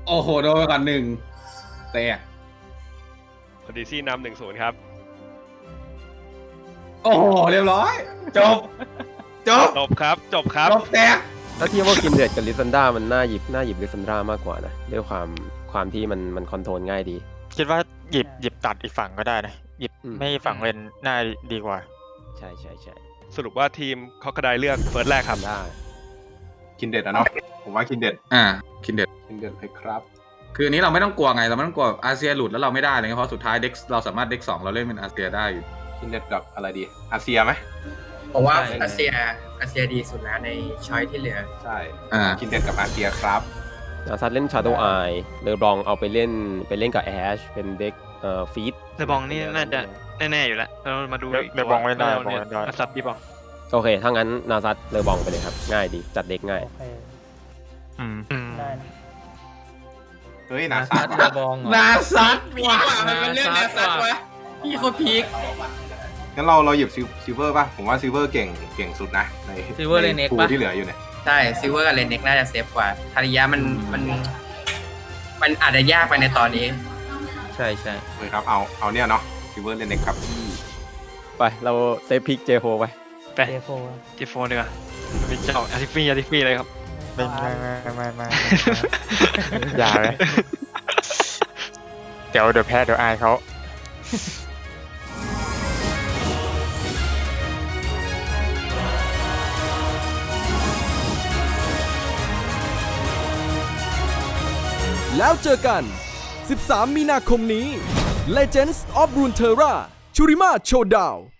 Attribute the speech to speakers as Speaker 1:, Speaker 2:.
Speaker 1: โอ้โหโดนไปก่อน1แตก
Speaker 2: ออดิซี่นำ1-0ครับ
Speaker 1: โอ้โหเรียบร้อยจบ
Speaker 2: จบครับจบ
Speaker 1: แตก
Speaker 3: ถ้าเทียบว่าคินเดดกับลิซันดรามันน่าหยิบลิซันดรามากกว่านะด้วยความที่มันคอนโทรลง่ายดี
Speaker 4: คิดว่าหยิบตัดอีกฝั่งก็ได้นะหยิบไม่ฝั่งเลนน่าดีกว่า
Speaker 3: ใช่
Speaker 2: สรุปว่าทีมคอกระไดเลือกเฟิร์สแรกครับ
Speaker 3: ได้
Speaker 5: คินเด็ดอะเนาะผมว่าคินเด็ด
Speaker 1: คินเด็ด
Speaker 5: เลยครับ
Speaker 1: คืออันนี้เราไม่ต้องกลัวไงเราไม่ต้องกลัวอาเซียหลุดแล้วเราไม่ได้เลยเพราะสุดท้ายเด็กเราสามารถเด็ก2เราเล่นเป็นอาเซียได้อยู่
Speaker 5: คินเด็ดกับอะไรดีอาเซียไหม
Speaker 6: ผมว่าอาเซียดีสุดแล้วในช้อยที่เหลือ
Speaker 5: ใช่คินเด็ดกับอาเซียครับ
Speaker 3: ซัดเล่น Shadow Eye เลอบองเอาไปเล่นกับแอชเป็นเด็กฟีด
Speaker 7: เลอบองนี่น่าจะแน่ๆอยู่แล้วเรามาดู
Speaker 4: เลอบองไม่ได้
Speaker 7: นาซัดดีป่ะ
Speaker 3: โอเคถ้างั้นนาซัดเลอบองไปเลยครับง่ายดีจัดเด็กง่าย
Speaker 6: ได้
Speaker 5: เฮ้ยนาซัด
Speaker 7: เลอบอง
Speaker 1: นาซัด
Speaker 6: ว่ะมันเป็นเรื่องนาซัดวะพี่โคตรพีค
Speaker 5: งั้นเราหยิบซิลเวอร์ป่ะผมว่าซิลเวอร์เก่งสุดนะใน
Speaker 7: ซิลเวอร์เลนเน็ก
Speaker 5: ป่ะที่เหลืออยู่เนี่ย
Speaker 6: ใช่ซิลเวอร์กับเลนเน็กน่าจะเซฟกว่าทาริยะมันอาจจะยากไปในตอนนี้
Speaker 7: ใช่
Speaker 5: เลยครับเอาเนี่ยเนาะซิลเวอร์เลนเน็กครับ
Speaker 3: ไปเราเซฟพิกเจโฟไป
Speaker 7: เจโฟดีกว่าเป็นเจ้าอาร์ติฟี่เลยครับ
Speaker 4: ไม่อย่าเลยเดี๋ยวแพ้เดี๋ยวอายเขา
Speaker 8: แล้วเจอกัน 13 มีนาคมนี้ Legends of Runeterra Shurima Showdown